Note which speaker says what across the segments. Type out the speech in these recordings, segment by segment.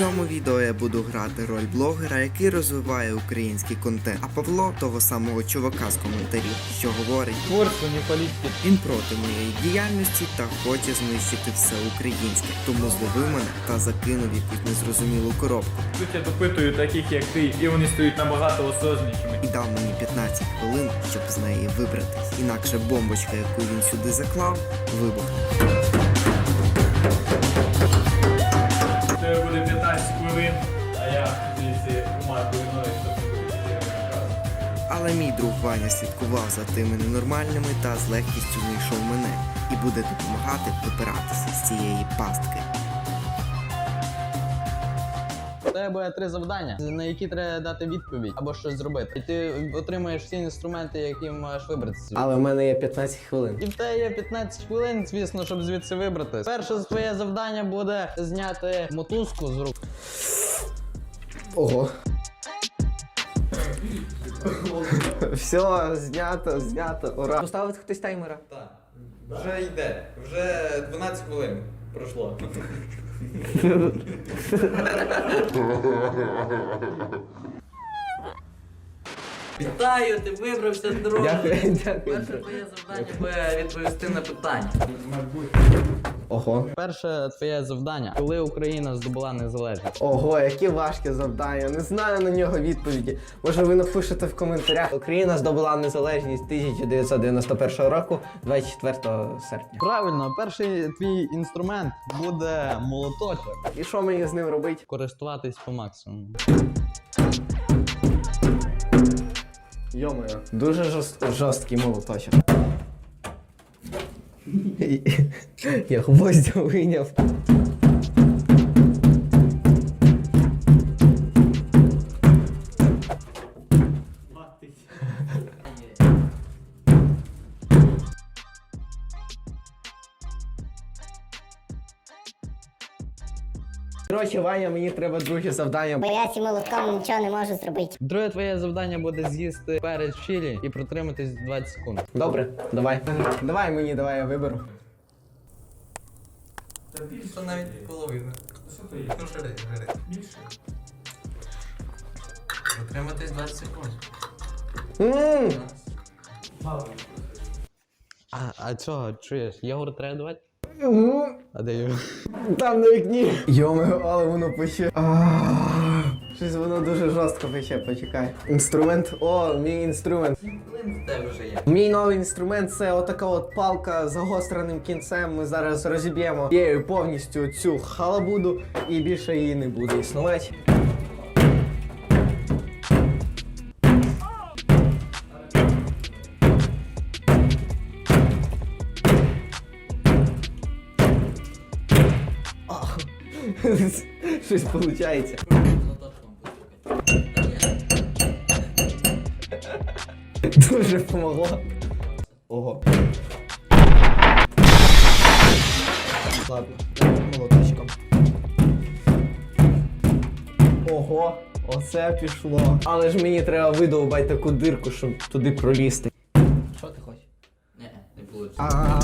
Speaker 1: цьому відео я буду грати роль блогера, який розвиває український контент, а Павло того самого чувака з коментарів, що говорить:
Speaker 2: творчо, не політики.
Speaker 1: Він проти моєї діяльності та хоче знищити все українське, тому зловив мене та закинув якусь незрозумілу коробку.
Speaker 2: Тут я допитую таких, як ти, і вони стають набагато осознішими.
Speaker 1: І дав мені 15 хвилин, щоб з неї вибратись. Інакше бомбочка, яку він сюди заклав, вибухне.
Speaker 2: Це буде 15 хвилин, а я звідси помадую ноги, щоб не буде розказу.
Speaker 1: Але мій друг Ваня слідкував за тими ненормальними та з легкістю знайшов мене і буде допомагати вибиратися з цієї пастки.
Speaker 3: У тебе буде 3 завдання, на які треба дати відповідь або щось зробити. І ти отримаєш всі інструменти, які маєш вибратися.
Speaker 4: Але в мене є 15 хвилин.
Speaker 3: І в тебе є 15 хвилин, звісно, щоб звідси вибратися. Перше твоє завдання буде зняти мотузку з рук.
Speaker 4: Ого. Все, знято, ура. Поставить хтось таймера?
Speaker 5: Так, вже йде, вже 12 хвилин пройшло.
Speaker 6: Вітаю, ти вибрався з дороги.
Speaker 4: Дякую.
Speaker 6: Перше твоє завдання буде відповісти на питання.
Speaker 4: Ого.
Speaker 3: Перше твоє завдання, коли Україна здобула незалежність.
Speaker 4: Ого, які важкі завдання. Не знаю на нього відповіді. Може ви напишете в коментарях. Україна здобула незалежність 1991 року, 24 серпня.
Speaker 3: Правильно, перший твій інструмент буде молоточок.
Speaker 4: І що мені з ним робити?
Speaker 3: Користуватись по максимуму.
Speaker 4: Йо-моє, дуже жорсткий молоточок. Я гвоздя вийняв. Коротше, Ваня, мені треба друге завдання.
Speaker 7: Бо я цим молотком нічого не можу зробити.
Speaker 3: Друге твоє завдання буде з'їсти перець чилі і протриматись 20 секунд.
Speaker 4: Добре, давай. Давай, я виберу.
Speaker 5: Та більше навіть половина. Що то є? Ну, жри. Більше.
Speaker 6: Затриматись 20 секунд.
Speaker 3: А чого, чуєш? Йогурт треба давати? А де його?
Speaker 4: Там на вікні. Йо-моє, але воно пече. Щось воно дуже жорстко пече, почекай. Інструмент. О, мій інструмент.
Speaker 6: Хвилин в тебе вже є.
Speaker 4: Мій новий інструмент це отака от палка з загостреним кінцем. Ми зараз розіб'ємо її повністю цю халабуду і більше її не буде існувати. Щось виходить. Дуже помогло. Ого. Ладно, молоточком. Ого, оце пішло. Але ж мені треба видовбати таку дирку, щоб туди пролізти.
Speaker 6: Що ти хочеш? Ні, не вийде.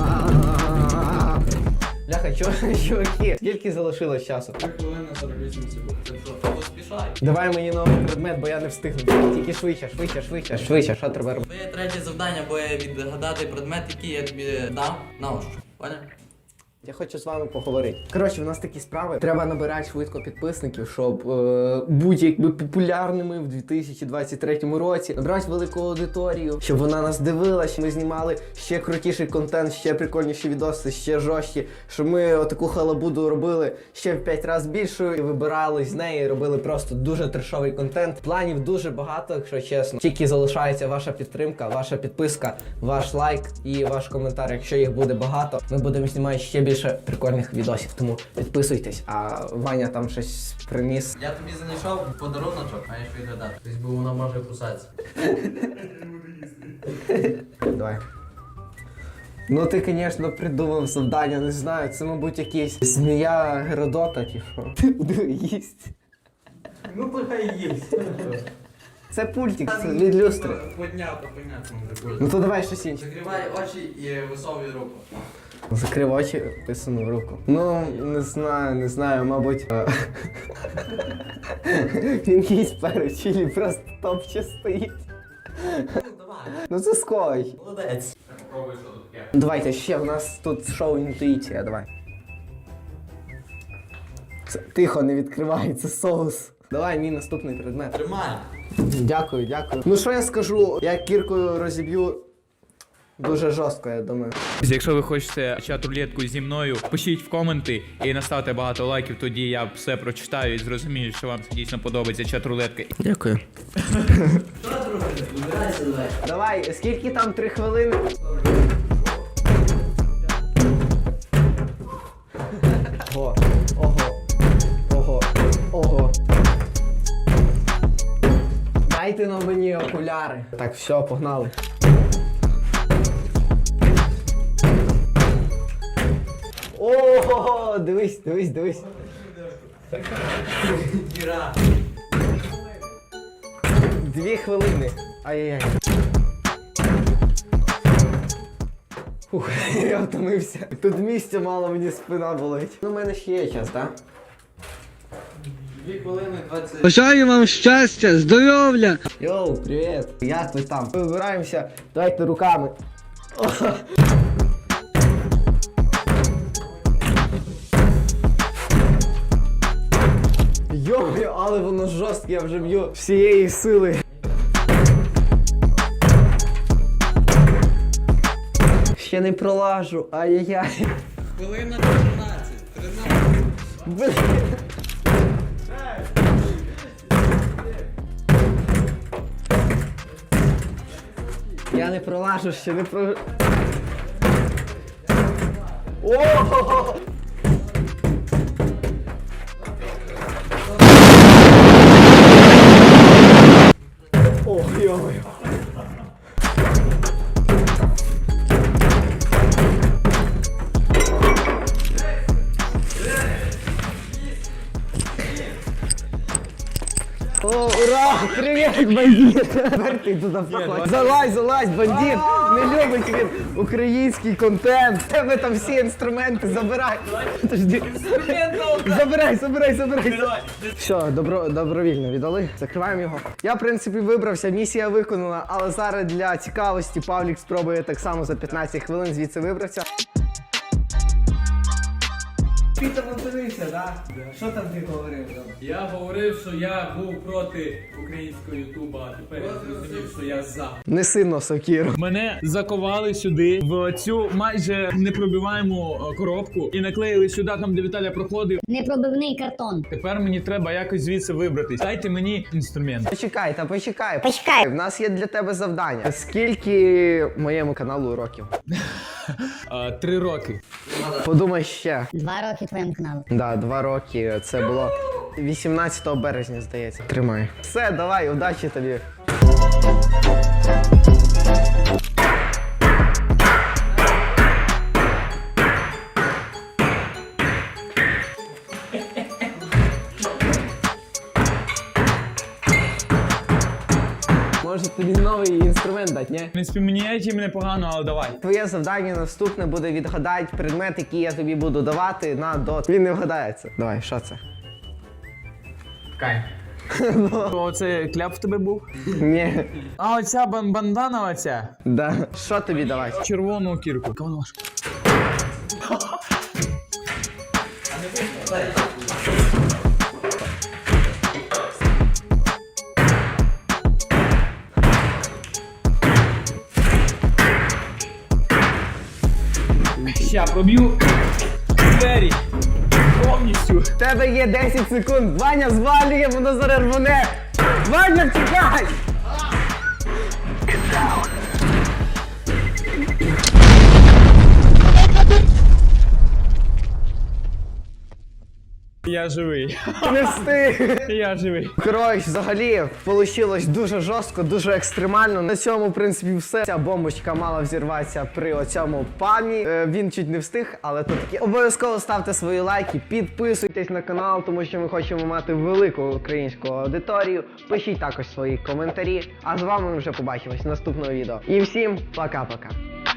Speaker 4: Бляха, чуваки, скільки залишилось часу?
Speaker 5: 3 хвилини 48 секунд.
Speaker 6: Ти що, поспішай?
Speaker 4: Давай мені новий предмет, бо я не встигну. Тільки швидше, що треба робити?
Speaker 6: Твоє третє завдання буде відгадати предмет, який я тобі дав на ощупь. Поняв?
Speaker 4: Я хочу з вами поговорити. Коротше, в нас такі справи. Треба набирати швидко підписників, щоб бути якби популярними в 2023 році. Набрати велику аудиторію, щоб вона нас дивилась. Ми знімали ще крутіший контент, ще прикольніші відоси, ще жорсткі. Щоб ми отаку халабуду робили ще в 5 разів більшою. І вибирали з неї, робили просто дуже трешовий контент. Планів дуже багато, якщо чесно. Тільки залишається ваша підтримка, ваша підписка, ваш лайк і ваш коментар. Якщо їх буде багато, ми будемо знімати ще більше прикольних відосів, тому підписуйтесь, а Ваня там щось приніс.
Speaker 6: Я тобі знайшов подаруночок, маєш відгадати. Тобто, бо воно може кусатися.
Speaker 4: Давай. Ну ти, звісно, придумав завдання, не знаю, це, мабуть, якийсь змія Геродота чи що. Диви, їсть.
Speaker 5: Ну, то хай їсть.
Speaker 4: Це пультик, це від люстри.
Speaker 6: Подняв, то понятно може бути.
Speaker 4: Ну то давай щось інше.
Speaker 6: Закривай очі і висовуй руку.
Speaker 4: Закрив очі, висунув руку. Ну, не знаю, мабуть. Він їсть перець чилі, просто топче стоїть. Ну це ской.
Speaker 6: Молодець.
Speaker 2: Попробуй, що тут таке.
Speaker 4: Давайте ще, в нас тут шоу інтуїція, давай. Тихо, не відкривай, це соус. Давай, мій наступний предмет.
Speaker 6: Тримай.
Speaker 4: Дякую. Ну що я скажу, я кіркою розіб'ю дуже жорстко, я думаю.
Speaker 2: Якщо ви хочете чат-рулетку зі мною, пишіть в коменти і наставте багато лайків, тоді я все прочитаю і зрозумію, що вам дійсно подобається чат-рулетка.
Speaker 4: Дякую.
Speaker 6: Що ти робиш? Вибирайся, давай.
Speaker 4: Давай, скільки там 3 хвилини? Ого. Дайте на мені окуляри. Так, все, погнали. Ого, дивись.
Speaker 6: Діра.
Speaker 4: 2 хвилини. Ай-яй-яй. Фух, я втомився. Тут місця мало, мені спина болить. Ну, в мене ще є час, так?
Speaker 6: 2 хвилини 20.
Speaker 8: Бажаю вам щастя, здоров'я!
Speaker 4: Йоу, привіт! Як ви там? Вибираємося, давайте руками. Йо, але воно жорстке, я вже б'ю всієї сили. Ще не пролажу, ай-яй-яй.
Speaker 6: Хвилина 13.
Speaker 4: Блін. Я не пролажу, ще не про... О! Ох, йо-моє. О, ура! Привіт, бандит! Тепер ти туди входь. Залазь, бандит! Не любить він український контент. В тебе там всі інструменти, забирай. Подожди. Забирай. Все, добровільно віддали. Закриваємо його. Я, в принципі, вибрався, місія виконана, але зараз для цікавості Павлік спробує так само за 15 хвилин звідси вибратися. Ти там подивився, так? Що там ти говорив?
Speaker 2: Я говорив, що я був проти українського ютуба, а тепер я зрозумів, що я за.
Speaker 4: Не сильно сокіру.
Speaker 2: Мене заковали сюди, в цю майже непробиваєму коробку і наклеїли сюди, там де Віталя проходив.
Speaker 7: Непробивний картон.
Speaker 2: Тепер мені треба якось звідси вибратись. Дайте мені інструмент.
Speaker 4: Почекай.
Speaker 7: Почекай.
Speaker 4: В нас є для тебе завдання. Скільки моєму каналу років?
Speaker 2: 3 роки.
Speaker 4: Подумай ще.
Speaker 7: 2 роки твоєму каналу.
Speaker 4: Да, 2 роки. Це було 18 березня, здається. Тримай. Все, давай, удачі тобі. Може тобі новий інструмент дати, ні?
Speaker 2: В принципі, мені чим непогано, але давай.
Speaker 4: Твоє завдання наступне буде відгадати предмет, який я тобі буду давати на дот. Він не вгадається. Давай, що це?
Speaker 2: Кай. Оце кляп в тебе був?
Speaker 4: Ні.
Speaker 2: А оця бандана оця?
Speaker 4: Да. Що тобі давати?
Speaker 2: Червону кірку. Кого важко? Ща проб'ю двері повністю.
Speaker 4: В тебе є 10 секунд. Ваня звалює, воно зараз рвоне. Ваня, тікай!
Speaker 2: Я живий.
Speaker 4: Не встиг.
Speaker 2: Я живий.
Speaker 4: Коротше, взагалі, вийшло дуже жорстко, дуже екстремально. На цьому, в принципі, все. Ця бомбочка мала взірватися при оцьому памі. Він чуть не встиг, але то таке. Обов'язково ставте свої лайки, підписуйтесь на канал, тому що ми хочемо мати велику українську аудиторію. Пишіть також свої коментарі. А з вами ми вже побачимось в наступному відео. І всім пока-пока.